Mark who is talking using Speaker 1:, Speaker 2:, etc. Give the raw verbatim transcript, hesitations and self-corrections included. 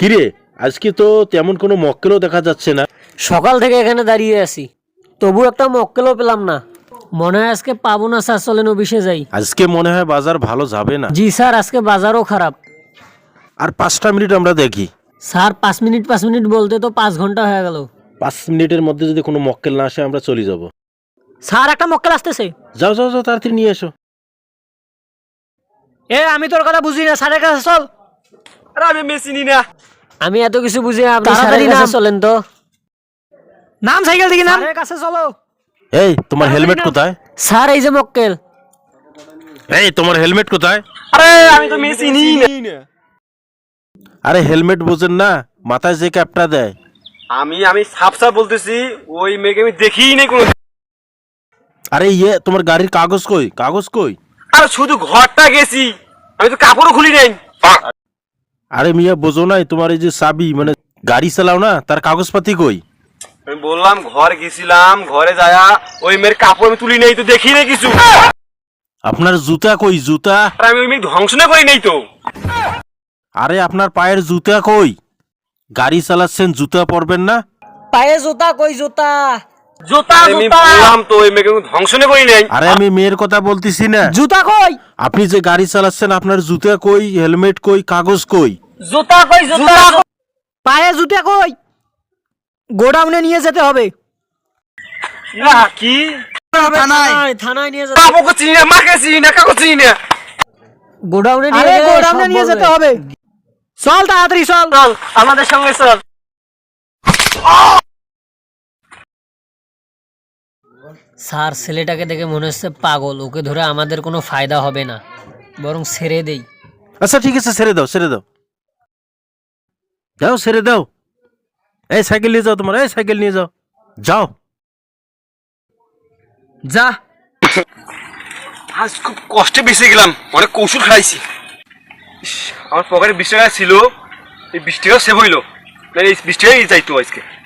Speaker 1: কিরে আজকে তো তেমন কোনো মক্কেলও দেখা যাচ্ছে না।
Speaker 2: সকাল থেকে এখানে দাঁড়িয়ে আছি, তবু একটা মক্কেলও পেলাম না। মনে হয় আজকে পাবো না স্যার, চলেন অফিসে যাই।
Speaker 1: আজকে মনে হয় বাজার ভালো যাবে না।
Speaker 2: জি স্যার, আজকে বাজারও খারাপ।
Speaker 1: আর পাঁচটা মিনিট আমরা দেখি।
Speaker 2: স্যার পাঁচ মিনিট পাঁচ মিনিট বলতে তো পাঁচ ঘন্টা হয়ে গেল।
Speaker 1: পাঁচ মিনিটের মধ্যে যদি কোনো মক্কেল না আসে আমরা চলে যাব।
Speaker 2: স্যার একটা মক্কেল আসতেছে।
Speaker 1: যাও যাও যাও তাড়াতাড়ি নিয়ে এসো।
Speaker 2: এ আমি তোর কথা বুঝি না, স্যারের কাছে চল।
Speaker 3: আরে আমি মেশি নি না।
Speaker 2: আমি এত কিছু বুঝি না, আপনি
Speaker 3: তাড়াতাড়ি
Speaker 2: স্যারের কাছে
Speaker 3: নাম।
Speaker 2: চলেন তো।
Speaker 3: নাম সাইকেল থেকে নাম।
Speaker 2: স্যারের কাছে চলো।
Speaker 1: এই তোমার হেলমেট কোথায়?
Speaker 2: স্যার এই যে মক্কেল।
Speaker 1: এই তোমার হেলমেট কোথায়?
Speaker 3: আরে আমি তো মেশি নি না।
Speaker 1: আরে হেলমেট বোঝেন না, মাথায় যে ক্যাপটা দেয়।
Speaker 3: আমি আমি সাফ সাফ বলতেছি, ওই মেয়েকে আমি দেখিই নাই কোনো।
Speaker 1: আরে ইয়ে তোমার গাড়ির কাগজ কই? কাগজ কই?
Speaker 3: আর শুধু ঘরটা গেছি, আমি তো কাপড়ও খুলি নাই।
Speaker 1: আরে মিয়া বোঝো নাই, তোমার এই যে চাবি মানে গাড়ি চালাও না, তার কাগজপাতি কই?
Speaker 3: আমি বললাম ঘর গেছিলাম, ঘরে যায়া ওই মেয়ের কাপড় আমি তুলি নাই, তো দেখি নাই কিছু।
Speaker 1: আপনার জুতা কই? জুতা?
Speaker 3: আর আমি ওই মেয়ে ধ্বংস না করি নাই তো।
Speaker 1: আরে আপনার পায়ের জুতা কই? গাড়ি চালাচ্ছেন, জুতা পরবেন না?
Speaker 2: পায়ে জুতা কই? জুতা জুতা
Speaker 3: আমি বললাম তো ওই মেয়েকে আমি ধ্বংস না করি নাই।
Speaker 1: আরে আমি মেয়ের কথা বলতেছি না।
Speaker 2: জুতা কই?
Speaker 1: আপনি যে গাড়ি চালাচ্ছেন, আপনার জুতা কই, হেলমেট কই, কাগজ কই?
Speaker 2: জুতা কই? জুতা পায়ে জুতা কই? গোডাউনে নিয়ে যেতে হবে।
Speaker 3: না কি
Speaker 2: থানায় থানায় নিয়ে যেতে।
Speaker 3: কাপড় চিনি না, মাকে চিনি না, কাগজ চিনি না।
Speaker 2: গোডাউনে নিয়ে
Speaker 4: আরে
Speaker 2: গেলে
Speaker 4: গোডাউনে
Speaker 2: সব
Speaker 4: নিয়ে
Speaker 2: বলবে।
Speaker 4: যেতে হবে। চল তাড়াতাড়ি চল।
Speaker 3: চল আমাদের সঙ্গে চল।
Speaker 2: স্যার ছেলেটাকে দেখে মনে হচ্ছে পাগল, ওকে ধরে আমাদের কোনো ফায়দা হবে না, বরং ছেড়ে দেই।
Speaker 1: আচ্ছা ঠিক আছে, ছেড়ে দাও ছেড়ে দাও যাও ছেড়ে দাও। এই সাইকেল নিয়ে যাও, তোমার এই সাইকেল নিয়ে যাও, যাও।
Speaker 3: যা। আজ খুব কষ্টে বেঁচে গেলাম, অনেক কৌশল খাইছি। ইস, আমার পকেটে বিশ টাকা ছিল, এই বিশ টাকা সেভ হইলো, এই বিশ টাকাই চাইতো আজকে।